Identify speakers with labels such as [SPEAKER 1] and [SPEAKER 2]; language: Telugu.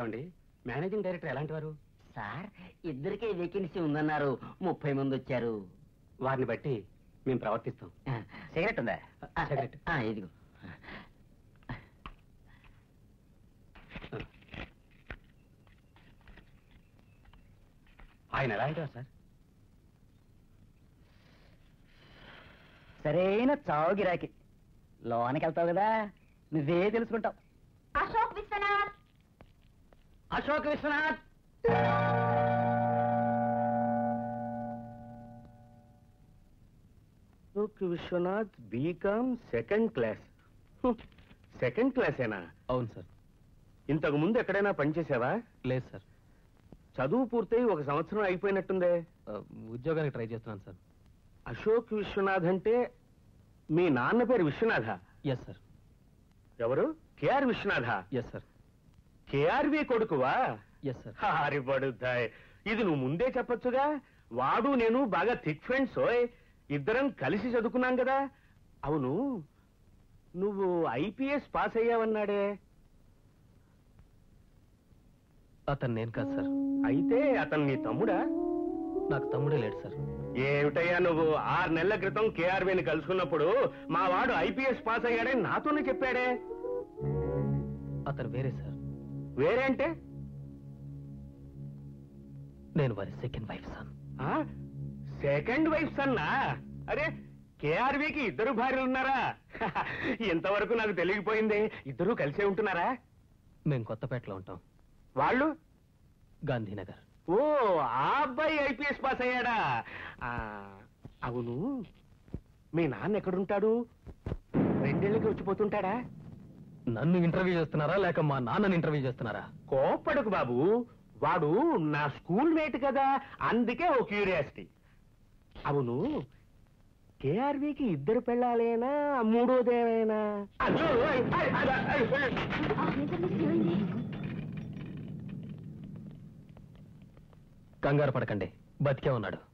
[SPEAKER 1] ఏమండి మేనేజింగ్ డైరెక్టర్ ఎలాంటి వారు?
[SPEAKER 2] సార్ ఇద్దరికే వేకెన్సీ ఉందన్నారు, 30 మంది వచ్చారు.
[SPEAKER 1] వారిని బట్టి మేము ప్రవర్తిస్తాం.
[SPEAKER 2] సిగరెట్ ఉందా?
[SPEAKER 1] సిగరెట్
[SPEAKER 2] ఇదిగో.
[SPEAKER 1] ఆయన ఎలాంటి వారు సార్?
[SPEAKER 2] సరైన చావు గిరాకి. లోనికి వెళ్తావు కదా, నువ్వే తెలుసుకుంటావు.
[SPEAKER 3] Ashok Vishwanath.
[SPEAKER 2] Ashok Vishwanath.
[SPEAKER 4] Ashok Vishwanath BCom second class. Second క్లాసేనా?
[SPEAKER 1] అవును సార్.
[SPEAKER 4] ఇంతకు ముందు ఎక్కడైనా పనిచేసావా?
[SPEAKER 1] లేదు సార్.
[SPEAKER 4] చదువు పూర్తయి 1 సంవత్సరం అయిపోయినట్టుందే.
[SPEAKER 1] ఉద్యోగానికి ట్రై చేస్తున్నాను సార్.
[SPEAKER 4] అశోక్ విశ్వనాథ్ అంటే మీ నాన్న పేరు విశ్వనాథ?
[SPEAKER 1] Yes sir.
[SPEAKER 4] ఎవరు? KR Vishwanatha?
[SPEAKER 1] Yes sir.
[SPEAKER 4] KRV కొడుకువా?
[SPEAKER 1] Yes sir.
[SPEAKER 4] హారి పడుతాయ్. ఇది నువ్వు ముందే చెప్పొచ్చుగా. వాడు నేను బాగా థిక్ ఫ్రెండ్స్. ఇద్దరం కలిసి చదువుకున్నాం కదా. అవును, నువ్వు ఐపీఎస్ పాస్ అయ్యావన్నాడే.
[SPEAKER 1] అతను నేను కాదు సార్.
[SPEAKER 4] అయితే అతను నీ తమ్ముడా?
[SPEAKER 1] నాకు తమ్ముడే లేడు సార్.
[SPEAKER 4] ఏమిటయ్యా నువ్వు? 6 నెలల క్రితం కేఆర్బీని కలుసుకున్నప్పుడు మా వాడు ఐపీఎస్ పాస్ అయ్యాడే నాతోనే చెప్పాడే.
[SPEAKER 1] అతను వేరే సార్.
[SPEAKER 4] వేరే అంటే?
[SPEAKER 1] నేను వారి second wife son.
[SPEAKER 4] Second wife సన్నా? అరే, కేఆర్బీకి 2 భార్యలు ఉన్నారా? ఇంతవరకు నాకు తెలియకపోయింది. ఇద్దరూ కలిసే ఉంటున్నారా?
[SPEAKER 1] మేము కొత్తపేటలో ఉంటాం.
[SPEAKER 4] వాళ్ళు?
[SPEAKER 1] గాంధీనగర్.
[SPEAKER 4] ఓ, ఆ అబ్బాయి ఐపీఎస్ పాస్ అయ్యాడా? అవును, మీ నాన్న ఎక్కడుంటాడు? 2 ఏళ్ళకి వచ్చిపోతుంటాడా?
[SPEAKER 1] నన్ను ఇంటర్వ్యూ చేస్తున్నారా లేక మా నాన్నని ఇంటర్వ్యూ చేస్తున్నారా?
[SPEAKER 4] కోప్పడకు బాబు, వాడు నా స్కూల్ మేట్ కదా, అందుకే ఓ క్యూరియాసిటీ. అవును, కేఆర్బీకి 2 పెళ్ళాలేనా, 3వదేమైనా?
[SPEAKER 1] కంగారు పడకండి, బతికే ఉన్నాడు.